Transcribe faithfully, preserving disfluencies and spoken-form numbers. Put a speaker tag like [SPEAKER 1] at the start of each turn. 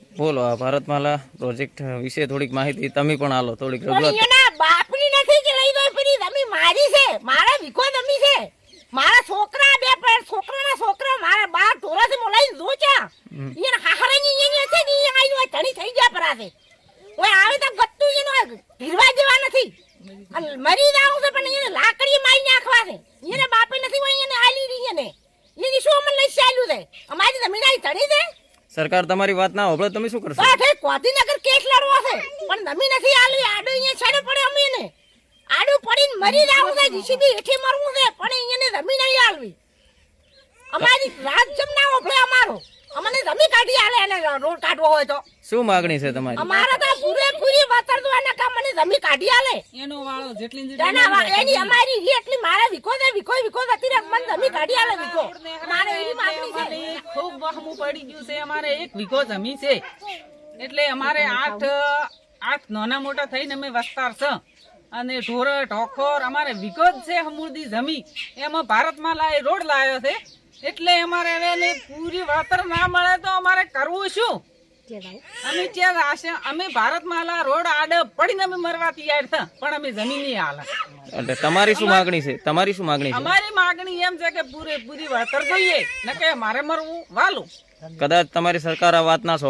[SPEAKER 1] બોલો આ ભારતમાલા પ્રોજેક્ટ વિશે થોડીક માહિતી તમે પણ આલો, થોડીક
[SPEAKER 2] પણ
[SPEAKER 1] રજૂઆત.
[SPEAKER 2] એના બાપની નથી કે લઈ દો પેલી જમીન મારી છે, મારા વીઘો જમીન છે, મારા છોકરા બે પણ છોકરાના છોકરા મારા બાર ઢોરાથી મોલાઈ જો ચા એને હાહરાની એને છે ને એ આઈ ધણી થઈ ગયા પરાસે ઓય આવે તો ગત્તુ એનો ધીરવા જેવા નથી અને મરી જાવ છે પણ એને લાકડી મારી નાખવા છે, એને બાપે નથી હોય એને આલી રહી એને એની શું અમને લઈ ચાલ્યું છે, અમારી જમીન આઈ ધણી છે.
[SPEAKER 1] સરકાર તમારી વાત ના હોભળે તમે શું કરશો?
[SPEAKER 2] બાઠે કોધીનગર કેસ લડવો છે પણ જમીન નથી આલી, આડો અહીંયા છેડે પડે અમે એને આડું પડીને મરી જાવ છે, જીસીબી હેઠે મરવું છે પણ એને જમીન નહીં આલવી. અમારી રાત જમના ઓફળે અમારો અમને જમીન કાઢી આલે એને રોડ કાઢવો હોય તો
[SPEAKER 1] શું માગણી છે તમારી?
[SPEAKER 2] અમારા તો પૂરેપૂરી વાતર તો એને કામ મને જમીન કાઢી આલે
[SPEAKER 3] એનો વાળો જેટલી ને
[SPEAKER 2] તેના વા- એની અમારી ઈ એટલી મારા વિકો છે વિકો વિકો હતી રે મને જમીન કાઢી આલે વિકો મારે એની માંગણી છે.
[SPEAKER 3] જેટલી ખૂબ વહમું પડી ગયું છે. અમારે એક વીઘો જમી છે એટલે અમારે આઠ આઠ નાના મોટા થઈને અમે વસ્તાર છે અને ઢોર ઢોખોર અમારે વીઘો જ છે સમૃદ્ધિ જમી એમાં ભારતમાં લાય રોડ લાવ્યો છે એટલે અમારે હવે એને પૂરી વળતર ના મળે તો અમારે કરવું શું? અમે ત્યાં આશે અમે ભારતમાલા રોડ આડે પડીને અમે મરવા તૈયાર છે પણ અમે જમીન નહીં હાલે.
[SPEAKER 1] એટલે તમારી શું માગણી છે? તમારી શું માગણી છે?
[SPEAKER 3] અમારી માગણી એમ છે કે પૂરેપૂરી વળતર જોઈએ ને કે મારે મરવું વાલું.
[SPEAKER 1] કદાચ તમારી સરકાર આ વાત ના